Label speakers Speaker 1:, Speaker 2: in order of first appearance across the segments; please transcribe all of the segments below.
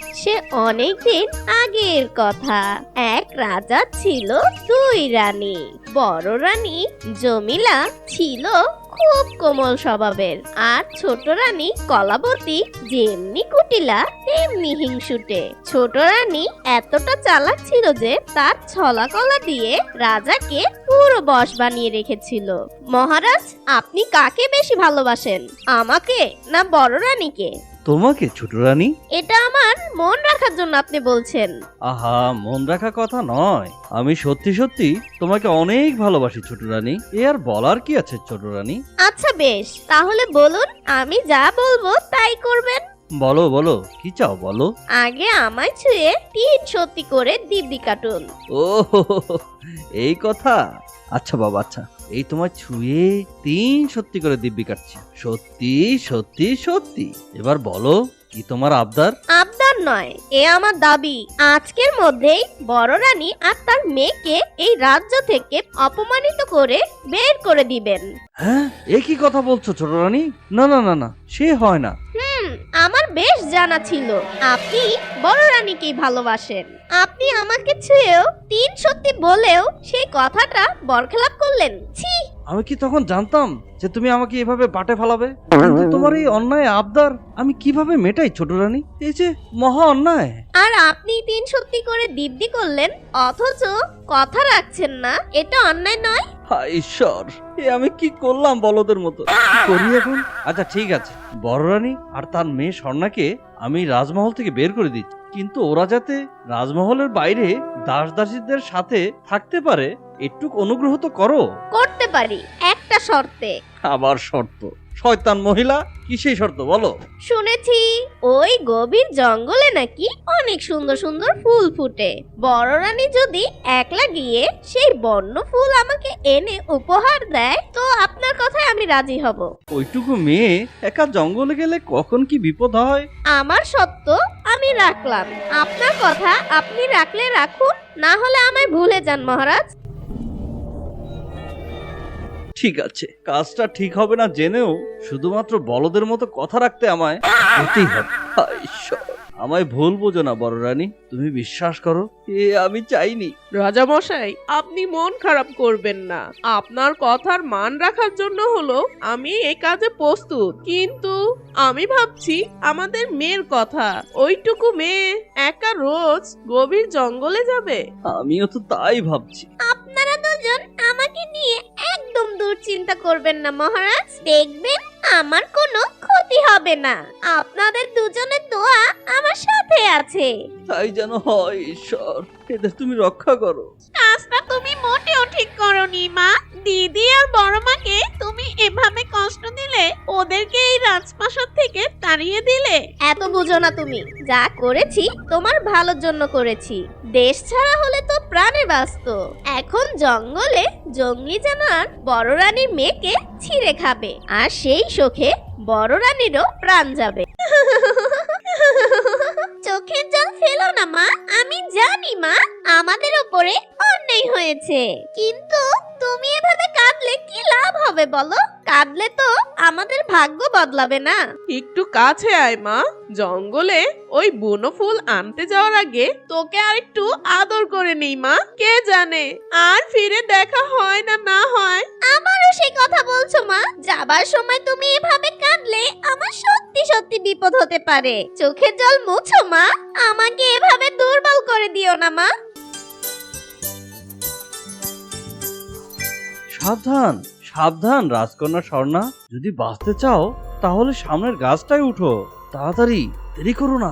Speaker 1: সে অনেকদিন আগের কথা। এক রাজা ছিল দুই রানী। বড় রানী জমিলা ছিল খুব কোমল স্বভাবের, আর ছোট রানী কলাবতী যেমনি কুটিলা তেমনি হিংসুটে। ছোট রানী এতটা চালাক ছিল যে তার ছলা কলা দিয়ে রাজাকে পুরো বশ বানিয়ে রেখেছিল। মহারাজ, আপনি কাকে বেশি ভালোবাসেন, আমাকে না বড় রানীকে?
Speaker 2: তোমাকে ছোট রানী।
Speaker 1: এটা আমার মন রাখার জন্য আপনি বলছেন?
Speaker 2: আহা, মন রাখা কথা নয়, আমি সত্যি সত্যি তোমাকে অনেক ভালোবাসি ছোট রানী। এ আর বলার কি আছে ছোট রানী?
Speaker 1: আচ্ছা বেশ, তাহলে বলুন, আমি যা বলবো তাই করবেন।
Speaker 2: বলো বলো, কি চাও বলো।
Speaker 1: আগে আমায় ছুঁয়ে 3 সত্যি করে দিব্যি কাটুন।
Speaker 2: ও এই কথা। আচ্ছা বাবা, আচ্ছা, এই তোমার ছুঁয়ে 3 সত্যি করে দিব্যি কাটছি। সত্যি সত্যি সত্যি। এবার বলো, কি তোমার আবদার?
Speaker 1: আবদার নয়, এ আমার দাবি। আজকের মধ্যেই বড় রানী আর তার মেয়েকে এই রাজ্য থেকে অপমানিত করে বের করে দিবেন।
Speaker 2: হ্যাঁ, এ কি কথা বলছো ছোট রানী? না না না না, সে হয় না।
Speaker 1: আমার বেশ জানা ছিল আপনি বড় রানীকেই ভালোবাসেন। আপনি আমাকে ছুঁয়েও 3 সত্যি বলেও সেই কথাটা বরখেলাপ করলেন। ছি!
Speaker 2: আমি কি তখন জানতাম যে তুমি আমাকে এভাবে বাটে ফেলাবে? কিন্তু তোমার এই অন্যায় আবদার আমি কিভাবে মেটাই ছোট রানী? এই যে মহা অন্যায়।
Speaker 1: আর আপনি 3 সত্যি করে দিব্যি করলেন, অথচ কথা রাখছেন না। এটা অন্যায় নয়?
Speaker 2: হায় ঈশ্বর, এ আমি কি করলাম বলদের মতো? কি করি এখন? আচ্ছা ঠিক আছে, বড় রানী আর তার মেয়ে স্বর্ণাকে আমি রাজমহল থেকে বের করে দিচ্ছি, কিন্তু ওরা যাতে রাজমহলের বাইরে দাস দাসীদের সাথে থাকতে পারে একটু অনুগ্রহ তো করো।
Speaker 1: করতে পারি, একটা শর্তে।
Speaker 2: আবার শর্ত? শয়তান মহিলা, কি সেই শর্ত বলো?
Speaker 1: শুনেছি ওই গভীর জঙ্গলে নাকি অনেক সুন্দর সুন্দর ফুল ফুটে। বড় রানী যদি একলা গিয়ে সেই বন্য ফুল আমাকে এনে উপহার দেয়, তো আপনার কথায় আমি রাজি হব।
Speaker 2: ওইটুকু মেয়ে একা জঙ্গলে গেলে কখন কি বিপদ হয়।
Speaker 1: আমার সত্য আমি রাখলাম, আপনার কথা আপনি রাখলে রাখুন, না হলে আমায় ভুলে যান মহারাজ।
Speaker 2: ঠিক আছে, কাজটা ঠিক হবে না জেনেও শুধুমাত্র বলদের মতো কথা রাখতে আমায় হতেই হবে। হায় ঈশ্বর, আমায় ভুল বোঝো না বড় রানী, তুমি বিশ্বাস করো, এ আমি চাইনি।
Speaker 3: রাজামশাই, আপনি মন খারাপ করবেন না। আপনার কথার মান রাখার জন্য হলো আমি এই কাজে প্রস্তুত, কিন্তু আমি ভাবছি আমাদের মেয়ের কথা। ওইটুকু মেয়ে একা রোজ গভীর জঙ্গলে যাবে।
Speaker 2: আমিও তো তাই ভাবছি।
Speaker 1: আপনারা দুজন আমাকে নিয়ে একদম দুশ্চিন্তা করবেন না মহারাজ, দেখবেন আমার কোনো ক্ষতি হবে না। আপনাদের দুজনের দোয়া আমার সাথে আছে।
Speaker 2: তাই যেন হয় ঈশ্বর, এদের তুমি রক্ষা করো।
Speaker 1: কাজটা তুমি মোটেও ঠিক করনি মা। দিদি আর বড় মাকে তুমি এভাবে কষ্ট দিলে, ওদেরকে এই রাজপ্রাসাদ থেকে তাড়িয়ে দিলে। এত বুঝো না তুমি, যা করেছি তোমার ভালোর জন্য করেছি। দেশ ছাড়া হলে তো প্রাণে বাঁচত। এখন জঙ্গলে জঙ্গলি জানোয়ার বড় রানীর মেয়েকে ছিঁড়ে খাবে, আর সেই শোকে বড় রানীরও প্রাণ যাবে। চোখের জল ফেলো না মা, আমি জানি মা আমাদের উপরে অন্যায় হয়েছে, কিন্তু তুমি এভাবে কাঁদলে কি লাভ হবে বলো? কাঁদলে তো আমাদের ভাগ্য বদলাবে না।
Speaker 3: একটু কাছে আয় মা। জঙ্গলে ওই বুনো ফুল আনতে যাওয়ার আগে তোকে আর একটু আদর করে নেই মা। কে জানে আর ফিরে দেখা হয় না না হয়।
Speaker 1: আমারও সেই কথা বলছো মা? যাবার সময় তুমি এভাবে কাঁদলে আমার সত্যি সত্যি বিপদ হতে পারে। চোখের জল মুছো মা, আমাকে এভাবে দুর্বল করে দিও না মা।
Speaker 2: সাবধান সাবধান রাজকন্যা স্বর্ণা, যদি বাঁচতে চাও তাহলে সামনের গাছটায় উঠো, তাড়াতাড়ি, দেরি করো না।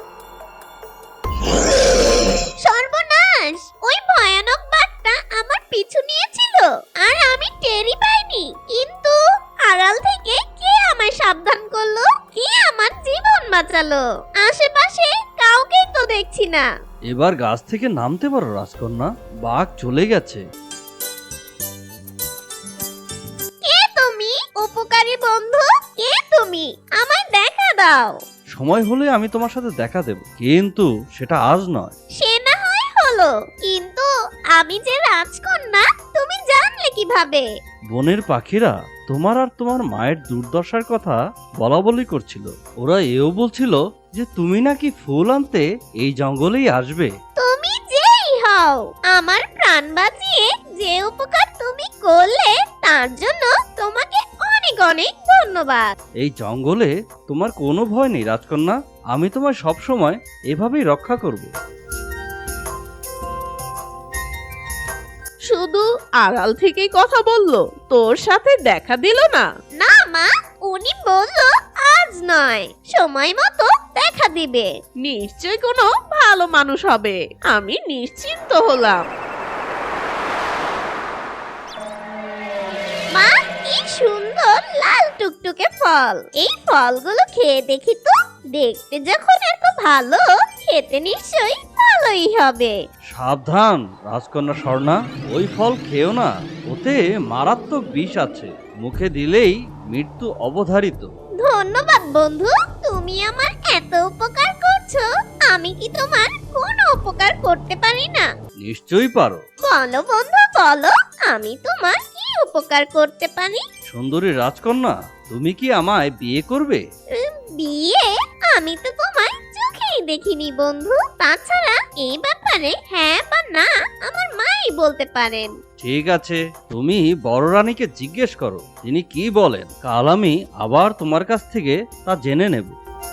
Speaker 1: সর্বনাশ! ওই ভয়ানক বাঘটা আমার পিছু নিয়েছিল আর আমি টেরই পাইনি। কিন্তু আড়াল থেকে কে আমায় সাবধান করলো? কে আমার জীবন বাঁচালো? আশেপাশে কাউকেই তো দেখছি না।
Speaker 2: এবার গাছ থেকে নামতে পারো রাজকন্যা, বাঘ চলে গেছে।
Speaker 1: কে তুমি, উপকারী বন্ধু? কে তুমি? আমায় দেখা দাও।
Speaker 2: সময় হলে আমি তোমার সাথে দেখা দেব, কিন্তু সেটা আজ নয়।
Speaker 1: সে না হয় হলো, কিন্তু আমি যে রাজকন্যা তুমি জানলে কিভাবে?
Speaker 2: বনের পাখিরা তোমার আর তোমার মায়ের দুর্দশার কথা বলা বলি করছিল। ওরা এও বলছিল যে তুমি নাকি ফুল আনতে এই জঙ্গলেই আসবে।
Speaker 1: তুমি যেই হও, আমার প্রাণ বাঁচিয়ে যে উপকার তুমি করলে তার জন্য তোমাকে অনেক অনেক ধন্যবাদ।
Speaker 2: এই জঙ্গলে তোমার কোনো ভয় নেই রাজকন্যা, আমি তোমায় সবসময় এভাবেই রক্ষা করব।
Speaker 3: শুধু আড়াল থেকেই কথা বললো, তোর সাথে দেখা দিল না?
Speaker 1: না মা, উনি বলল আজ নয়, সময় মতো দেখা দিবে।
Speaker 3: নিশ্চয় কোনো ভালো মানুষ হবে, আমি নিশ্চিন্ত হলাম।
Speaker 1: মা, কি সুন্দর লাল টুকটুকে ফল! এই ফলগুলো খেয়ে দেখি তো। দেখতে যখন এত ভালো, খেতে নিশ্চয়ই ভালোই হবে।
Speaker 2: সাবধান রাজকন্যা স্বর্ণা, ওই ফল খেও না, ওতে মারাত্মক বিষ আছে, মুখে দিলেই মৃত্যু অবধারিত।
Speaker 1: ধন্যবাদ বন্ধু, তুমি আমার এত উপকার করছো। আমি কি তোমার কোনো উপকার করতে পারি না?
Speaker 2: নিশ্চয়ই পারো।
Speaker 1: বলো বন্ধু, বলো, আমি তোমার কি উপকার করতে পারি?
Speaker 2: সুন্দরী রাজকন্যা, তুমি কি আমায় বিয়ে করবে?
Speaker 1: বিয়ে? আমি তো তোমায় চোখেই দেখিনি বন্ধু। তাছাড়া এই ব্যাপারে হ্যাঁ বা না আমার মাই বলতে পারেন।
Speaker 2: ঠিক আছে, তুমি বড় রানীকে জিজ্ঞেস করো তিনি কি বলেন। কাল আমি আবার তোমার কাছ থেকে তা জেনে নেব।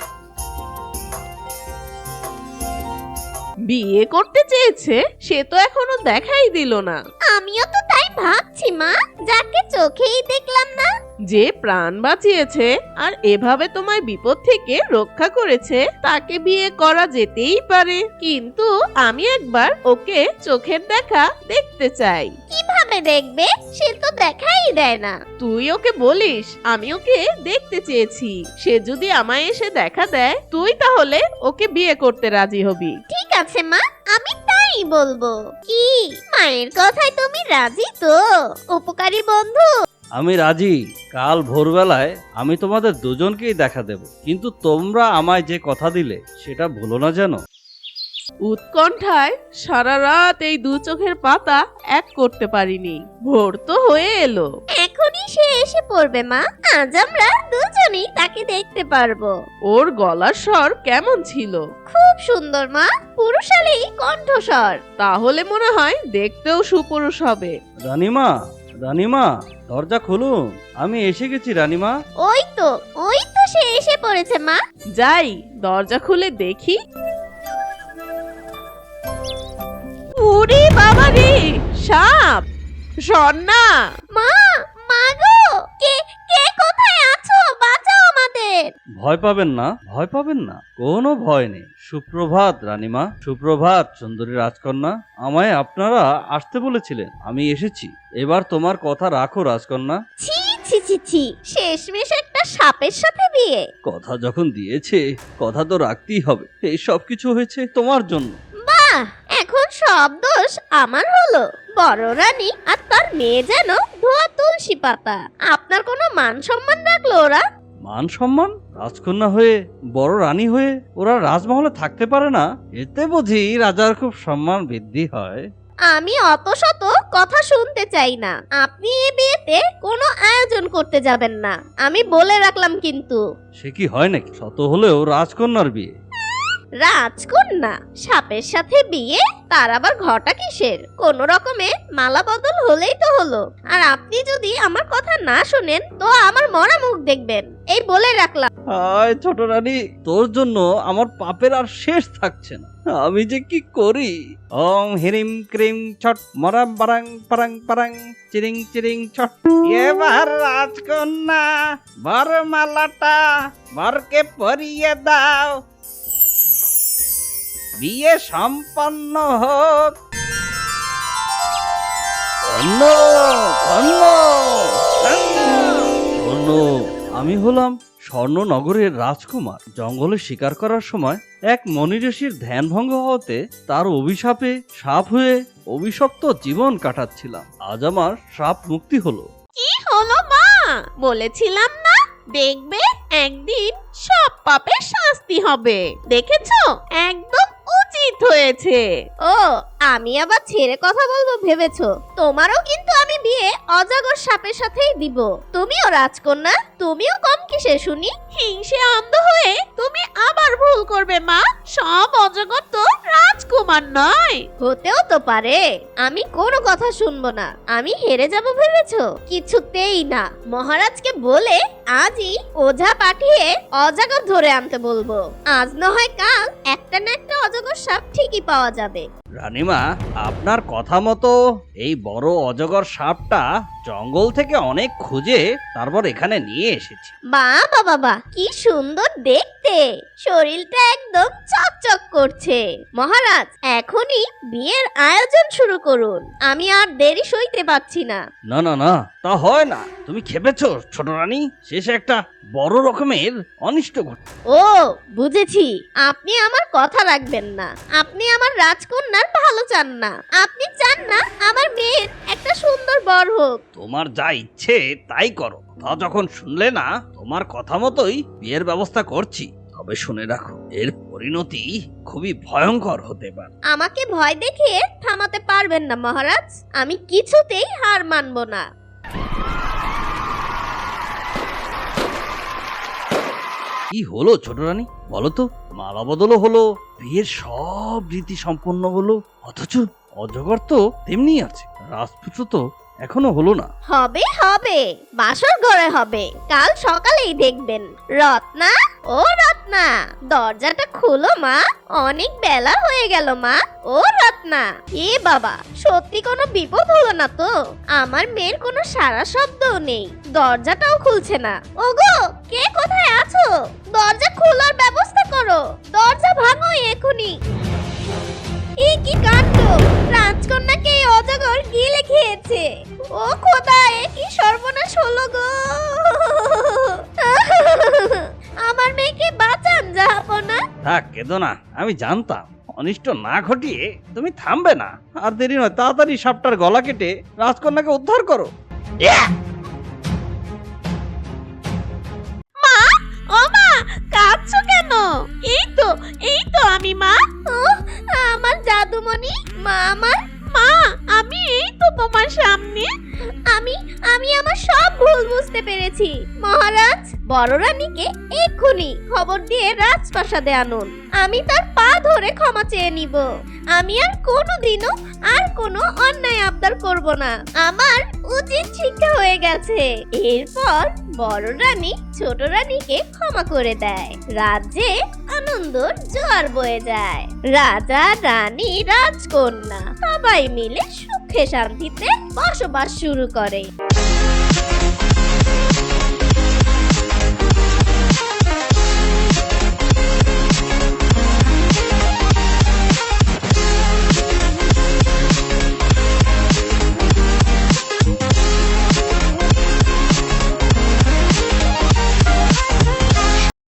Speaker 3: বিয়ে করতে চেয়েছে, সে তো এখনো দেখাই দিল না।
Speaker 1: আমিও তো তাই ভাবছি মা, যাকে চোখেই দেখলাম না।
Speaker 3: যে প্রাণ বাঁচিয়েছে আর এভাবে তোমায় বিপদ থেকে রক্ষা করেছে, তাকে বিয়ে করা যেতেই পারে। কিন্তু আমি একবার ওকে চোখের দেখা দেখতে চাই।
Speaker 1: কিভাবে দেখবে? সে তো দেখাই দেয় না।
Speaker 3: তুই ওকে বলিস আমি ওকে দেখতে চেয়েছি, সে যদি আমায় এসে দেখা দেয়, তুই তাহলে ওকে বিয়ে করতে রাজি হবি।
Speaker 1: ঠিক আছে মা, আমি তাই বলবো। কি মায়ের কথায় তুমি রাজি তো, উপকারী বন্ধু?
Speaker 2: আমি রাজি। কাল ভোরবেলায় আমি তোমাদের দুজনকেই দেখা দেব, কিন্তু তোমরা আমায় যে কথা দিলে সেটা ভুলো না যেন।
Speaker 3: উৎকণ্ঠায় সারা রাত এই দু চোখের পাতা এক করতে পারিনি। ভোর তো হয়ে এলো।
Speaker 1: এখনই সে এসে পড়বে মা, আজ আমরা দুজনেই তাকে দেখতে পারবো।
Speaker 3: ওর গলার স্বর কেমন ছিল?
Speaker 1: খুব সুন্দর মা, পুরুষালী কণ্ঠস্বর।
Speaker 3: তাহলে মনে হয় দেখতেও সুপুরুষ হবে।
Speaker 2: রানীমা, রানীমা, দরজা খুলুন, আমি এসে গেছি রানীমা।
Speaker 1: ওই তো সে এসে পড়েছে মা।
Speaker 3: যাই দরজা খুলে দেখি। ওরে বাবা রে, সাপ! স্বর্ণা!
Speaker 1: মা, মাগো, কে কে কোথায় আছো? বাঁচাও আমাদের।
Speaker 2: ভয় পাবেন না, ভয় পাবেন না, কোনো ভয় নেই। সুপ্রভাত রানীমা, সুপ্রভাত সুন্দরী রাজকন্যা। আমায় আপনারা আসতে বলেছিলেন, আমি এসেছি। এবার তোমার কথা রাখো রাজকন্যা।
Speaker 1: ছি ছি ছি ছি, শেষমেশ একটা সাপের সাথে বিয়ে।
Speaker 2: কথা যখন দিয়েছে কথা তো রাখতেই হবে। এই সব কিছু হয়েছে তোমার জন্য।
Speaker 1: বাহ, এখন সব দোষ আমার হলো। বড় রানী আর তার মেয়ে যেন ধোয়া তুলসী পাতা। আপনার কোনো মান সম্মান রাখলো ওরা?
Speaker 2: মান সম্মান? রাজকন্যা হয়ে, বড় রানী হয়ে ওরা রাজমহলে থাকতে পারে না? এতে বুঝি রাজার খুব সম্মান বৃদ্ধি হয়।
Speaker 1: আমি অত শত কথা শুনতে চাই না। আপনি এ বিয়েতে কোনো আয়োজন করতে যাবেন না, আমি বলে রাখলাম কিন্তু।
Speaker 2: সে কি হয় নাকি? শত হলেও রাজকন্যার বিয়ে।
Speaker 1: রাজকন্যা সাপের সাথে বিয়ে? তার আবার ঘটা কিসের? কোন রকমে মালা বদল হলেই তো হলো। আর আপনি যদি আমার কথা না শুনেন তো আমার মরা মুখ দেখবেন, এই বলে রাখলাম।
Speaker 2: হায় ছোট রানী, তোর জন্য আমার পাপের আর শেষ থাকছে না। আমি যে কি করি। ওং হিরিম ক্রিম ছট মরা বারাং পারাং পারাং চিরিং চিরিং ছট। এবার রাজকন্যা বরমালাটা বরকে পরিয়ে দাও, বিয়ে সম্পন্ন হোক। ধন্য ধন্য ধন্য। আমি হলাম স্বর্ণনগরের রাজকুমার। জঙ্গলে শিকার করার সময় এক মনিঋষির ধ্যান ভঙ্গ হওয়াতে তার অভিশাপে সাপ হয়ে অভিশপ্ত জীবন কাটাচ্ছিলাম। আজ আমার সাপ মুক্তি হলো।
Speaker 3: কি হলো মা? বলেছিলাম না, দেখবে একদিন সব পাপের শাস্তি হবে। দেখেছো, একদম উচিত অতীত হয়েছে।
Speaker 1: ও, আমি আবার ছেড়ে কথা বলবো ভেবেছো? তোমারও কিন্তু আমি বিয়ে অজগর সাপের সাথেই দিব। তুমিও রাজকন্যা, তুমিও কম কিসে শুনি?
Speaker 3: হিংসে অন্ধ হয়ে তুমি আবার ভুল করবে মা। সব অজগর তো রাজকুমার নয়।
Speaker 1: হতেও তো পারে। আমি কোনো কথা শুনবো না। আমি হেরে যাব ভেবেছো? কিছুতেই না। মহারাজকে বলে আজই ওঝা পাঠিয়ে অজগর ধরে আনতে বলবো। আজ না হয় কাল একটা না একটা অজগর সাপ ঠিকই পাওয়া যাবে।
Speaker 2: রানীমা, আপনার কথা মতো এই বড় অজগর সাপটা জঙ্গল থেকে অনেক খুঁজে তারপর এখানে নিয়ে এসেছি।
Speaker 1: বাবা বাবা, কি সুন্দর দেখতে! শরীরটা একদম চকচক করছে। মহারাজ, এখনই বিয়ের আয়োজন শুরু করুন। আমি আর দেরি সইতে পারছি না।
Speaker 2: না না না, তা হয় না। তুমি খেপেছো ছোট রানী, শেষে একটা বড় রকমের অনিষ্ট ঘটে।
Speaker 1: ও, বুঝেছি। আপনি আমার কথা রাখবেন না। আপনি আমার রাজকন্যার ভালো চান না। আপনি চান না আমার মেয়ের একটা সুন্দর বর হোক।
Speaker 2: তোমার যা ইচ্ছে তাই করো। তা যখন শুনলে না, তোমার কথা মতোই বিয়ের ব্যবস্থা করছি। তবে শুনে রাখো, এর পরিণতি খুবই ভয়ঙ্কর হতে পারে।
Speaker 1: আমাকে ভয় দেখিয়ে থামাতে পারবেন না মহারাজ। আমি কিছুতেই হার মানব না।
Speaker 2: কি হলো ছোট রানী, বলো তো? মালা বদলও হলো, বিয়ের সব রীতি সম্পন্ন হলো, অথচ অজগর তো তেমনি আছে। রাজপুত্র তো এখনো হলো না।
Speaker 1: হবে হবে, বাসর ঘরে হবে। কাল সকালেই দেখবেন। রত্না, ও রত্না, দরজাটা খুলো মা। অনেক বেলা হয়ে গেল মা। ও রত্না, এ বাবা, সত্যি কোনো বিপদ হলো না তো? আমার মেয়ের কোনো সারা শব্দও নেই, দরজাটাও খুলছে না। ওগো, কে কোথায় আছো? দরজা খোলার ব্যবস্থা করো। দরজা ভাঙো এখনই। এ কি কাণ্ড! রাজকন্যাকে এই অজগর গিলে খেয়েছে। ও খোদা, এ কি সর্বনাশ হলো গো! আমার মেয়েকে বাঁচান জাহাপনা।
Speaker 2: থাক, কেঁদো না। আমি জানতাম অনিষ্ট না ঘটিয়ে তুমি থামবে না। আর দেরি নয়, তাড়াতাড়ি সাপটার গলা কেটে রাজকন্যাকে উদ্ধার করো।
Speaker 3: ও মা, কাঁদছো কেন? এই তো আমি মা।
Speaker 1: আমার জাদুমণি মা, আমার
Speaker 3: মা, আমি এই তো তোমার সামনে।
Speaker 1: আমি আমি আমার সব ভুল বুঝতে পেরেছি। মহারাজ, বড় রানীকে এক্ষুনি খবর দিয়ে রাজপ্রাসাদে আনুন। আমি তার পা ধরে ক্ষমা চেয়ে নিব। আমি আর কোনোদিনও আর কোনো অন্যায় আবদার করব না। আমার উচিত শিক্ষা হয়ে গেছে। এরপর বড় রানী ছোট রানীকে ক্ষমা করে দেয়। রাজ্যে আনন্দর জোয়ার বয়ে যায়। রাজা, রানী, রাজকন্যা সবাই মিলে সুখে শান্তিতে বসবাস শুরু করে।